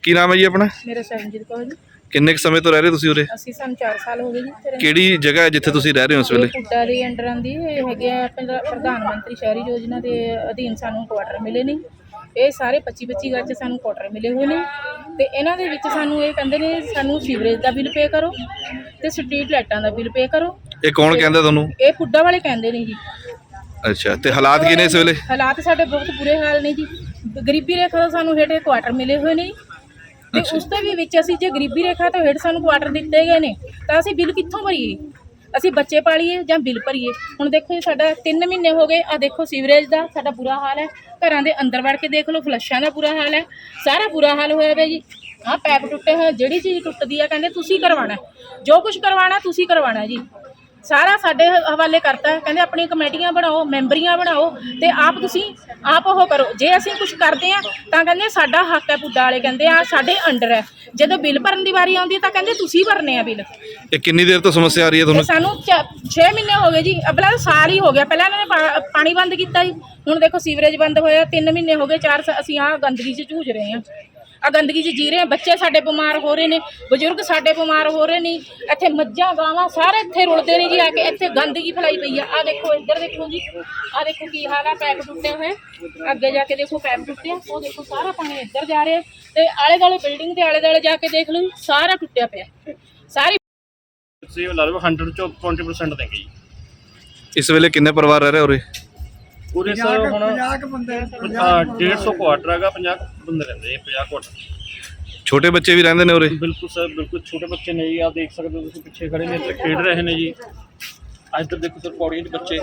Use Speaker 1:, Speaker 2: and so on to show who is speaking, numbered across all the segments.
Speaker 1: ਕੀ ਨਾਮ ਹੈ ਜੀ ਆਪਣਾ?
Speaker 2: ਮੇਰਾ ਸਰਨਜੀਤ ਕੌਰ ਜੀ।
Speaker 1: ਕਿੰਨੇ ਕੁ ਸਮੇਂ ਤੋਂ ਰਹਿ ਰਹੇ ਤੁਸੀਂ ਉਰੇ?
Speaker 2: ਅਸੀਂ ਸਾਨੂੰ 4 ਸਾਲ ਹੋ ਗਏ ਜੀ।
Speaker 1: ਕਿਹੜੀ ਜਗ੍ਹਾ ਹੈ ਜਿੱਥੇ ਤੁਸੀਂ ਰਹਿ ਰਹੇ ਹੋ ਇਸ ਵੇਲੇ?
Speaker 2: ਪੁੱਡਾ ਦੇ ਅੰਡਰ ਆਉਂਦੀ ਇਹ ਹੈਗੇ ਆ ਪ੍ਰਧਾਨ ਮੰਤਰੀ ਸ਼ਹਿਰੀ ਯੋਜਨਾ ਦੇ ਅਧੀਨ ਸਾਨੂੰ ਕੁਆਟਰ ਮਿਲੇ ਨੇ। ਇਹ ਸਾਰੇ 25-25 ਗਜ 'ਚ ਸਾਨੂੰ ਕੁਆਟਰ ਮਿਲੇ ਹੋਏ ਨੇ ਤੇ ਇਹਨਾਂ ਦੇ ਵਿੱਚ ਸਾਨੂੰ ਇਹ ਕਹਿੰਦੇ ਨੇ ਸਾਨੂੰ ਸੀਵਰੇਜ ਦਾ ਬਿੱਲ ਪੇ ਕਰੋ ਤੇ ਸਟਰੀਟ ਲਾਈਟਾਂ ਦਾ ਬਿੱਲ ਪੇ ਕਰੋ।
Speaker 1: ਇਹ ਕੌਣ ਕਹਿੰਦਾ ਤੁਹਾਨੂੰ?
Speaker 2: ਇਹ ਪੁੱਡਾ ਵਾਲੇ ਕਹਿੰਦੇ ਨੇ ਜੀ।
Speaker 1: ਅੱਛਾ, ਤੇ ਹਾਲਾਤ ਕੀ ਨੇ ਇਸ ਵੇਲੇ?
Speaker 2: ਹਾਲਾਤ ਸਾਡੇ ਬਹੁਤ ਬੁਰੇ ਹਾਲ ਨੇ ਜੀ। ਗਰੀਬੀ ਰੇਖਾ ਤੋਂ ਸਾਨੂੰ ਹੇਠ ਕੁਆਟਰ ਮਿਲੇ ਹੋਏ ਨੇ ਤੇ ਉਸ ਦੇ ਵੀ ਵਿੱਚ ਅਸੀਂ ਜੇ ਗਰੀਬੀ ਰੇਖਾ ਤੋਂ ਹੇਠ ਸਾਨੂੰ ਕੁਆਟਰ ਦਿੱਤੇ ਗਏ ਨੇ ਤਾਂ ਅਸੀਂ ਬਿੱਲ ਕਿੱਥੋਂ ਭਰੀਏ? ਅਸੀਂ ਬੱਚੇ ਪਾਲੀਏ ਜਾਂ ਬਿੱਲ ਭਰੀਏ? ਹੁਣ ਦੇਖੋ ਜੀ ਸਾਡਾ 3 ਮਹੀਨੇ ਹੋ ਗਏ। ਆ ਦੇਖੋ ਸੀਵਰੇਜ ਦਾ ਸਾਡਾ ਬੁਰਾ ਹਾਲ ਹੈ। ਘਰਾਂ ਦੇ ਅੰਦਰ ਵੜ ਕੇ ਦੇਖ ਲਓ, ਫਲੱਸ਼ਾਂ ਦਾ ਬੁਰਾ ਹਾਲ ਹੈ। ਸਾਰਾ ਬੁਰਾ ਹਾਲ ਹੋਇਆ ਪਿਆ ਜੀ। ਆਹ ਪੈਪ ਟੁੱਟੇ ਹੋਏ, ਜਿਹੜੀ ਚੀਜ਼ ਟੁੱਟਦੀ ਆ ਕਹਿੰਦੇ ਤੁਸੀਂ ਕਰਵਾਉਣਾ, ਜੋ ਕੁਝ ਕਰਵਾਉਣਾ ਤੁਸੀਂ ਕਰਵਾਉਣਾ ਜੀ। ਸਾਰਾ ਸਾਡੇ ਹਵਾਲੇ ਕਰਤਾ। ਕਹਿੰਦੇ ਆਪਣੀ ਕਮੇਟੀਆਂ ਬਣਾਓ, ਮੈਂਬਰੀਆਂ ਬਣਾਓ ਤੇ ਆਪ ਤੁਸੀਂ ਆਪ ਉਹ ਕਰੋ। ਜੇ ਅਸੀਂ ਕੁਝ ਕਰਦੇ ਆ ਤਾਂ ਕਹਿੰਦੇ ਸਾਡਾ ਹੱਕ ਹੈ। ਪੁੱਡਾ ਵਾਲੇ ਕਹਿੰਦੇ ਆ ਸਾਡੇ ਅੰਡਰ ਹੈ। ਜਦੋਂ ਬਿੱਲ ਭਰਨ ਦੀ ਵਾਰੀ ਆਉਂਦੀ ਤਾਂ ਕਹਿੰਦੇ ਤੁਸੀਂ ਭਰਨੇ ਆ ਬਿੱਲ।
Speaker 1: ਇਹ ਕਿੰਨੀ ਦੇਰ ਤੋਂ ਸਮੱਸਿਆ ਆ ਰਹੀ ਹੈ ਤੁਹਾਨੂੰ?
Speaker 2: ਸਾਨੂੰ 6 ਮਹੀਨੇ ਹੋ ਗਏ ਜੀ। ਅਬਲਾ ਸਾਲ ਹੀ ਹੋ ਗਿਆ। ਪਹਿਲਾਂ ਇਹਨਾਂ ਨੇ ਪਾਣੀ ਬੰਦ ਕੀਤਾ ਜੀ। ਹੁਣ ਦੇਖੋ ਸੀਵਰੇਜ ਬੰਦ ਹੋਇਆ। 3 ਮਹੀਨੇ ਹੋ ਗਏ। 4 ਅਸੀਂ ਆਹ ਗੰਦਗੀ 'ਚ ਝੂਝ ਰਹੇ ਹਾਂ। ਆ ਗੰਦਗੀ 'ਚ ਜੀ ਰਹੇ ਹਾਂ। ਬੱਚੇ ਸਾਡੇ ਬਿਮਾਰ ਹੋ ਰਹੇ ਨੇ, ਬਜ਼ੁਰਗ ਸਾਡੇ ਬਿਮਾਰ ਹੋ ਰਹੇ ਨੇ। ਇੱਥੇ ਮੱਝਾਂ ਗਾਵਾਂ ਸਾਰੇ ਇੱਥੇ ਰੁਲਦੇ ਨੇ ਜੀ ਆ ਕੇ। ਇੱਥੇ ਗੰਦਗੀ ਫੈਲਾਈ ਪਈ ਆ। ਆ ਦੇਖੋ ਇੱਧਰ ਦੇਖੋ ਜੀ। ਆ ਦੇਖੋ ਕੀ ਹਾਲ ਆ। ਪੈਪ ਟੁੱਟੇ ਹੋਏ। ਅੱਗੇ ਜਾ ਕੇ ਦੇਖੋ ਪੈਪ ਟੁੱਟਿਆ। ਉਹ ਦੇਖੋ ਸਾਰਾ ਪਾਣੀ ਇੱਧਰ ਜਾ ਰਿਹਾ ਤੇ ਆਲੇ ਦੁਆਲੇ ਬਿਲਡਿੰਗ ਦੇ ਆਲੇ ਦੁਆਲੇ ਜਾ ਕੇ ਦੇਖ ਲਓ ਸਾਰਾ ਟੁੱਟਿਆ ਪਿਆ। ਸਾਰੀ
Speaker 3: ਤੁਸੀਂ ਲਾ ਲਓ 100 ਚੋਂ 20% ਦੇਂਗੇ ਜੀ।
Speaker 1: ਇਸ ਵੇਲੇ ਕਿੰਨੇ ਪਰਿਵਾਰ ਰਹਿ ਰਹੇ ਉਰੇ?
Speaker 3: ਪੂਰੇ ਸਰ ਹੁਣ 150 ਕੁਆਟਰ ਹੈਗਾ। 50 ਬੰਦੇ ਰਹਿੰਦੇ 50 ਕੁਆਟਰ।
Speaker 1: ਛੋਟੇ ਬੱਚੇ ਵੀ ਰਹਿੰਦੇ ਨੇ ਉਰੇ?
Speaker 3: ਬਿਲਕੁਲ ਸਰ, ਬਿਲਕੁਲ ਛੋਟੇ ਬੱਚੇ ਨੇ ਜੀ। ਆ ਦੇਖ ਸਕਦੇ ਹੋ ਤੁਸੀਂ ਪਿੱਛੇ ਖੜੇ ਨੇ, ਇੱਥੇ ਖੇਡ ਰਹੇ ਨੇ ਜੀ। ਇੱਧਰ ਦੇਖੋ ਸਰ ਪੌੜੀਆਂ 'ਚ ਬੱਚੇ।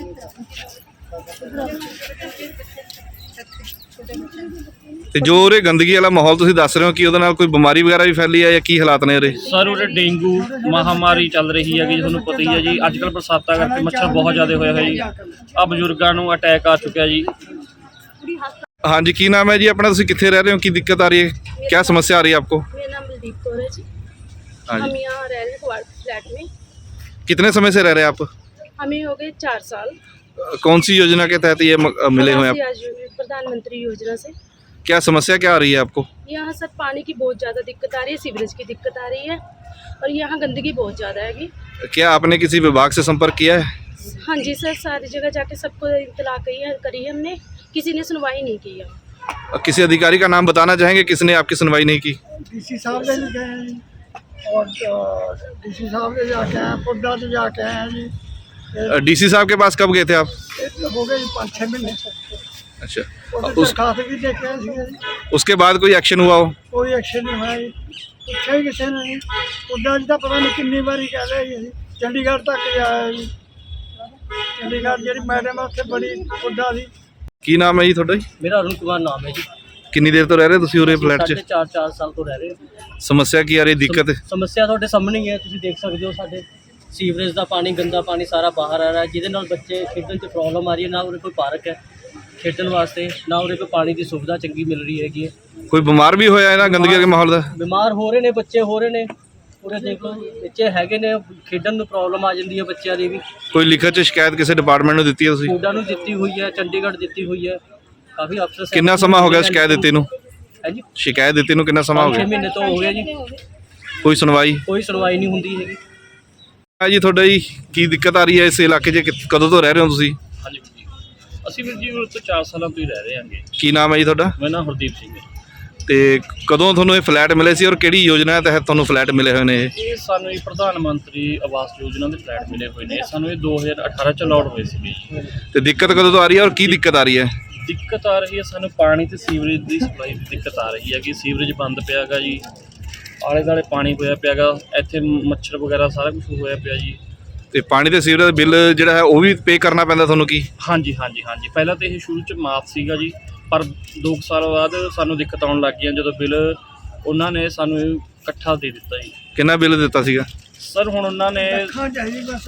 Speaker 1: ਤੇ ਜੋ ਉਰੇ ਗੰਦਗੀ ਵਾਲਾ ਮਾਹੌਲ ਤੁਸੀਂ ਦੱਸ ਰਹੇ ਹੋ ਕਿ ਉਹਦੇ ਨਾਲ ਕੋਈ ਬਿਮਾਰੀ ਵਗੈਰਾ ਵੀ ਫੈਲੀ ਹੈ ਜਾਂ ਕੀ ਹਾਲਾਤ ਨੇ ਉਰੇ?
Speaker 3: ਸਰ ਉਰੇ ਡੇਂਗੂ ਮਹਾਮਾਰੀ ਚੱਲ ਰਹੀ ਹੈਗੀ, ਤੁਹਾਨੂੰ ਪਤਾ ਹੀ ਹੈ ਜੀ। ਅੱਜ ਕੱਲ੍ਹ ਬਰਸਾਤਾਂ ਕਰਕੇ ਮੱਛਰ ਬਹੁਤ ਜ਼ਿਆਦਾ ਹੋਇਆ ਹੋਇਆ ਜੀ। ਆ ਬਜ਼ੁਰਗਾਂ ਨੂੰ ਅਟੈਕ ਆ ਚੁੱਕਿਆ ਜੀ।
Speaker 1: ਹਾਂਜੀ, ਕੀ ਨਾਮ ਹੈ ਜੀ ਆਪਣਾ? ਤੁਸੀਂ ਕਿੱਥੇ ਰਹਿ ਰਹੇ ਹੋ? ਕੀ ਦਿੱਕਤ ਆ ਰਹੀ है? क्या समस्या आ रही है आपको?
Speaker 2: मेरा नाम बलदीप कौर है जी।
Speaker 1: हाँ जी।
Speaker 2: हम यहाँ रह रहे हैं फ्लैट में।
Speaker 1: कितने समय से रह रहे हैं आप?
Speaker 2: हमें हो गए 4 साल।
Speaker 1: कौन सी योजना के तहत ये मिले हुए हैं आप?
Speaker 2: प्रधानमंत्री योजना से।
Speaker 1: क्या समस्या क्या आ रही है आपको?
Speaker 2: यहाँ सर पानी की बहुत ज़्यादा दिक्कत आ रही है, सीवरेज की दिक्कत आ रही है और यहाँ गंदगी बहुत ज़्यादा हैगी।
Speaker 1: क्या आपने किसी विभाग से संपर्क किया है?
Speaker 2: हाँ जी सर, सारी जगह जाके सबको इत्तला करी है हमने, किसी ने सुनवाई नहीं की है।
Speaker 1: किसी अधिकारी का नाम बताना चाहेंगे किसने आपकी सुनवाई नहीं की?
Speaker 4: डीसी साहब ने गए हैं जी, और डीसी साहब ने जाके आए, पुड्डा से जाके आए हैं जी।
Speaker 1: डीसी साहब के पास कब गए थे आप?
Speaker 4: हो गए 5-6 महीने से।
Speaker 1: अच्छा,
Speaker 4: उस खाते भी देखे हैं जी।
Speaker 1: उसके बाद कोई एक्शन हुआ हो?
Speaker 4: कोई एक्शन नहीं हुआ जी। पूछा ही किसी ने नहीं। पुड्डा जी का पता नहीं कितनी बारी कह रहे हैं जी, चंडीगढ़ तक आया जी। चंडीगढ़ जी मैडम उत्थे बड़ी पुड्डा दी।
Speaker 1: ਕੀ ਨਾਮ ਹੈ ਜੀ ਤੁਹਾਡਾ?
Speaker 3: ਮੇਰਾ ਅਰੁਣ ਕੁਮਾਰ ਨਾਮ ਹੈ ਜੀ।
Speaker 1: ਕਿੰਨੀ ਦੇਰ ਤੋਂ ਰਹਿ ਰਹੇ ਤੁਸੀਂ ਉਰੇ ਫਲੈਟ 'ਚ?
Speaker 3: 4 ਸਾਲ ਤੋਂ ਰਹਿ ਰਹੇ ਹਾਂ।
Speaker 1: ਸਮੱਸਿਆ ਕੀ ਆ ਰਹੀ? ਦਿੱਕਤ
Speaker 3: ਸਮੱਸਿਆ ਤੁਹਾਡੇ ਸਾਹਮਣੇ ਹੀ ਹੈ, ਤੁਸੀਂ ਦੇਖ ਸਕਦੇ ਹੋ। ਸਾਡੇ ਸੀਵਰੇਜ ਦਾ ਪਾਣੀ, ਗੰਦਾ ਪਾਣੀ ਸਾਰਾ ਬਾਹਰ ਆ ਰਿਹਾ, ਜਿਹਦੇ ਨਾਲ ਬੱਚੇ ਖੇਡਣ 'ਚ ਪ੍ਰੋਬਲਮ ਆ ਰਹੀ ਹੈ। ਨਾ ਉਰੇ ਕੋਈ ਪਾਰਕ ਹੈ ਖੇਡਣ ਵਾਸਤੇ, ਨਾ ਉਰੇ ਕੋਈ ਪਾਣੀ ਦੀ ਸੁਵਿਧਾ ਚੰਗੀ ਮਿਲ ਰਹੀ ਹੈਗੀ ਹੈ।
Speaker 1: ਕੋਈ ਬਿਮਾਰ ਵੀ ਹੋਇਆ ਇਹਨਾਂ ਗੰਦਗੀ ਦੇ ਮਾਹੌਲ ਦਾ?
Speaker 3: ਬਿਮਾਰ ਹੋ ਰਹੇ ਨੇ ਬੱਚੇ, ਹੋ ਰਹੇ ਨੇ। ਉਰੇ ਦੇਖ ਲਓ ਬੱਚੇ ਹੈਗੇ ਨੇ, ਖੇਡਣ ਨੂੰ ਪ੍ਰੋਬਲਮ ਆ ਜਾਂਦੀ ਹੈ ਬੱਚਿਆਂ ਦੀ ਵੀ।
Speaker 1: ਕੋਈ ਲਿਖਤ 'ਚ ਸ਼ਿਕਾਇਤ ਕਿਸੇ ਡਿਪਾਰਟਮੈਂਟ ਨੂੰ ਦਿੱਤੀ ਹੈ ਤੁਸੀਂ?
Speaker 3: ਸਕੂਲਾਂ ਨੂੰ ਦਿੱਤੀ ਹੋਈ ਹੈ, ਚੰਡੀਗੜ੍ਹ ਦਿੱਤੀ ਹੋਈ ਹੈ, ਕਾਫੀ ਅਫਸਰ।
Speaker 1: ਕਿੰਨਾ ਸਮਾਂ ਹੋ ਗਿਆ ਸ਼ਿਕਾਇਤ ਦਿੱਤੀ ਨੂੰ?
Speaker 3: ਹੈ ਜੀ,
Speaker 1: ਸ਼ਿਕਾਇਤ ਦਿੱਤੀ ਨੂੰ ਕਿੰਨਾ ਸਮਾਂ ਹੋ
Speaker 3: 6
Speaker 1: ਗਿਆ?
Speaker 3: ਮਹੀਨੇ ਤੋਂ ਹੋ ਗਿਆ ਜੀ।
Speaker 1: ਕੋਈ ਸੁਣਵਾਈ?
Speaker 3: ਕੋਈ ਸੁਣਵਾਈ ਨਹੀਂ ਹੁੰਦੀ ਹੈਗੀ।
Speaker 1: ਹਾਂ ਜੀ, ਤੁਹਾਡਾ ਜੀ ਕੀ ਦਿੱਕਤ ਆ ਰਹੀ ਹੈ ਇਸ ਇਲਾਕੇ 'ਚ? ਕਦੋਂ ਤੋਂ ਰਹਿ ਰਹੇ ਹੋ ਤੁਸੀਂ?
Speaker 3: ਹਾਂਜੀ ਜੀ, ਅਸੀਂ ਵੀਰ ਜੀ ਉਰੇ ਤੋਂ 4 ਸਾਲਾਂ ਤੋਂ ਹੀ ਰਹਿ ਰਹੇ ਹਾਂਗੇ।
Speaker 1: ਕੀ ਨਾਮ ਹੈ ਜੀ ਤੁਹਾਡਾ?
Speaker 3: ਮੇਰਾ ਨਾਮ ਹਰਦੀਪ ਸਿੰਘ ਹੈ।
Speaker 1: ਤੇ ਕਦੋਂ ਤੁਹਾਨੂੰ ਇਹ ਫਲੈਟ ਮਿਲੇ ਸੀ ਔਰ ਕਿਹੜੀ ਯੋਜਨਾ ਤਹਿਤ ਤੁਹਾਨੂੰ ਫਲੈਟ ਮਿਲੇ ਹੋਏ ਨੇ ਇਹ?
Speaker 3: ਇਹ ਸਾਨੂੰ ਇਹ ਪ੍ਰਧਾਨ ਮੰਤਰੀ ਆਵਾਸ ਯੋਜਨਾ ਦੇ ਫਲੈਟ ਮਿਲੇ ਹੋਏ ਨੇ। ਸਾਨੂੰ ਇਹ 2018 ਚ ਅਲਾਟ ਹੋਏ ਸੀਗੇ।
Speaker 1: ਤੇ ਦਿੱਕਤ ਕਦੋਂ ਤੋਂ ਆ ਰਹੀ ਹੈ ਔਰ ਕੀ ਦਿੱਕਤ ਆ ਰਹੀ ਹੈ?
Speaker 3: ਦਿੱਕਤ ਆ ਰਹੀ ਹੈ ਸਾਨੂੰ ਪਾਣੀ ਤੇ ਸੀਵਰੇਜ ਦੀ ਸਪਲਾਈ ਦੀ ਦਿੱਕਤ ਆ ਰਹੀ ਹੈ ਕਿ ਸੀਵਰੇਜ ਬੰਦ ਪਿਆ ਹੈਗਾ ਜੀ। ਆਲੇ ਦੁਆਲੇ ਪਾਣੀ ਹੋਇਆ ਪਿਆ ਹੈਗਾ, ਇੱਥੇ ਮੱਛਰ ਵਗੈਰਾ ਸਾਰਾ ਕੁਝ ਹੋਇਆ ਪਿਆ ਜੀ।
Speaker 1: ਤੇ ਪਾਣੀ ਤੇ ਸੀਵਰੇਜ ਦਾ ਬਿੱਲ ਜਿਹੜਾ ਹੈ ਉਹ ਵੀ ਪੇ ਕਰਨਾ ਪੈਂਦਾ ਤੁਹਾਨੂੰ ਕੀ?
Speaker 3: ਹਾਂਜੀ ਹਾਂਜੀ ਹਾਂਜੀ, ਪਹਿਲਾਂ ਤਾਂ ਇਹ ਸ਼ੁਰੂ 'ਚ ਮਾਫ ਸੀਗਾ ਜੀ, ਪਰ 2 ਸਾਲ ਬਾਅਦ ਸਾਨੂੰ ਦਿੱਕਤ ਆਉਣ ਲੱਗ ਗਈਆਂ ਜਦੋਂ ਬਿੱਲ ਉਹਨਾਂ ਨੇ ਸਾਨੂੰ ਇਕੱਠਾ ਦੇ ਦਿੱਤਾ ਜੀ।
Speaker 1: ਕਿੰਨਾ ਬਿੱਲ ਦਿੱਤਾ ਸੀਗਾ
Speaker 3: ਸਰ? ਹੁਣ ਉਹਨਾਂ ਨੇ
Speaker 4: हाँ चाहिए बस।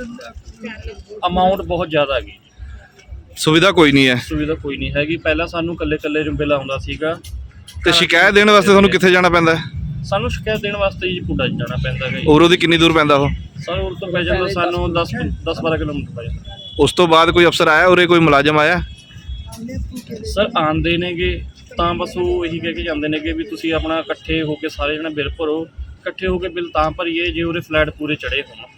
Speaker 3: ਅਮਾਊਂਟ ਬਹੁਤ ਜ਼ਿਆਦਾ ਹੈਗੀ।
Speaker 1: ਸੁਵਿਧਾ ਕੋਈ ਨਹੀਂ ਹੈ?
Speaker 3: ਸੁਵਿਧਾ ਕੋਈ ਨਹੀਂ ਹੈਗੀ। ਪਹਿਲਾਂ ਸਾਨੂੰ ਇਕੱਲੇ ਬਿੱਲ ਆਉਂਦਾ ਸੀਗਾ।
Speaker 1: ਤੇ ਸ਼ਿਕਾਇਤ ਦੇਣ ਵਾਸਤੇ ਤੁਹਾਨੂੰ ਕਿੱਥੇ ਜਾਣਾ ਪੈਂਦਾ?
Speaker 3: ਸਾਨੂੰ ਸ਼ਿਕਾਇਤ ਦੇਣ ਵਾਸਤੇ ਜੀ ਪੁੱਡਾ ਜਾਣਾ ਪੈਂਦਾ ਹੈ ਜੀ।
Speaker 1: ਔਰ ਉਹਦੀ ਕਿੰਨੀ ਦੂਰ ਪੈਂਦਾ ਉਹ?
Speaker 3: ਸਰ ਉਰ ਤੋਂ ਪੈ ਜਾਂਦਾ ਸਾਨੂੰ 10-12 ਕਿਲੋਮੀਟਰ ਪੈ ਜਾਂਦਾ।
Speaker 1: ਉਸ ਤੋਂ ਬਾਅਦ ਕੋਈ ਅਫਸਰ ਆਇਆ ਉਰੇ, ਕੋਈ ਮੁਲਾਜ਼ਮ ਆਇਆ?
Speaker 3: ਸਰ ਆਉਂਦੇ ਨੇਗੇ,
Speaker 5: ਤਾਂ ਬਸ ਉਹ ਇਹੀ ਕਹਿ ਕੇ ਜਾਂਦੇ ਨੇ ਕਿ ਵੀ ਤੁਸੀਂ ਆਪਣਾ ਇਕੱਠੇ ਹੋ ਕੇ ਸਾਰੇ ਜਣੇ ਬਿੱਲ ਭਰੋ, ਇਕੱਠੇ ਹੋ ਕੇ ਬਿੱਲ ਤਾਂ ਭਰੀਏ ਜੇ ਉਹਦੇ ਫਲੈਟ ਪੂਰੇ ਚੜ੍ਹੇ ਹੋਣ।